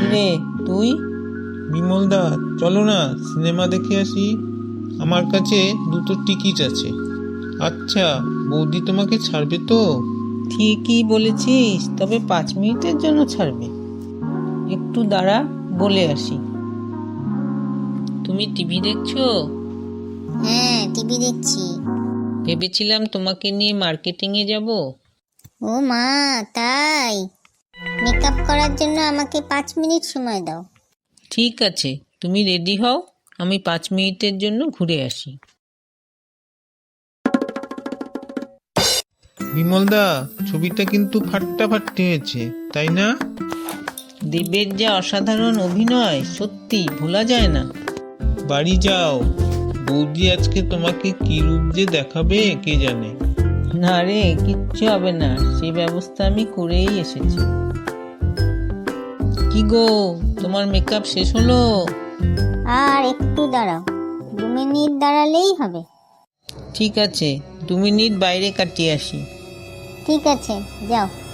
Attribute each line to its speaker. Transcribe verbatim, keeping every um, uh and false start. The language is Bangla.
Speaker 1: রে তুই?
Speaker 2: বিমলদা, চলো না সিনেমা দেখে আসি। আমার কাছে দুটো টিকিট আছে। আচ্ছা, বৌদি তোমাকে ছাড়বে তো?
Speaker 1: ঠিকই বলেছিস, তবে পাঁচ মিনিটের জন্য ছাড়বে। একটু দাঁড়া, বলে আসি। তুমি টিভি দেখছো?
Speaker 3: হ্যাঁ, টিভি দেখছি।
Speaker 1: ভেবেছিলাম তোমাকে নিয়ে মার্কেটিংয়ে যাব।
Speaker 3: ও মা, তাই? মেকআপ করার জন্য আমাকে পাঁচ মিনিট সময় দাও।
Speaker 1: ঠিক আছে, তুমি রেডি হও, আমি পাঁচ মিনিটের জন্য ঘুরে আসি।
Speaker 2: বিমলদা, ছবিটা কিন্তু ফাটাফাটি হয়েছে, তাই না?
Speaker 1: দেবের যা অসাধারণ অভিনয়, সত্যি ভোলা যায় না।
Speaker 2: বাড়ি যাও, বৌদি আজকে তোমাকে কি রূপ যে দেখাবে কে জানে।
Speaker 1: না রে, কিচ্ছু হবে না, সেই ব্যবস্থা আমি করেই এসেছি। কি গো, তোমার মেকআপ শেষ হলো?
Speaker 3: আর একটু দাঁড়াও, দু মিনিট দাঁড়ালেই হবে।
Speaker 1: ঠিক আছে, দু মিনিট বাইরে কাটিয়ে আসি।
Speaker 3: ঠিক আছে, যাও।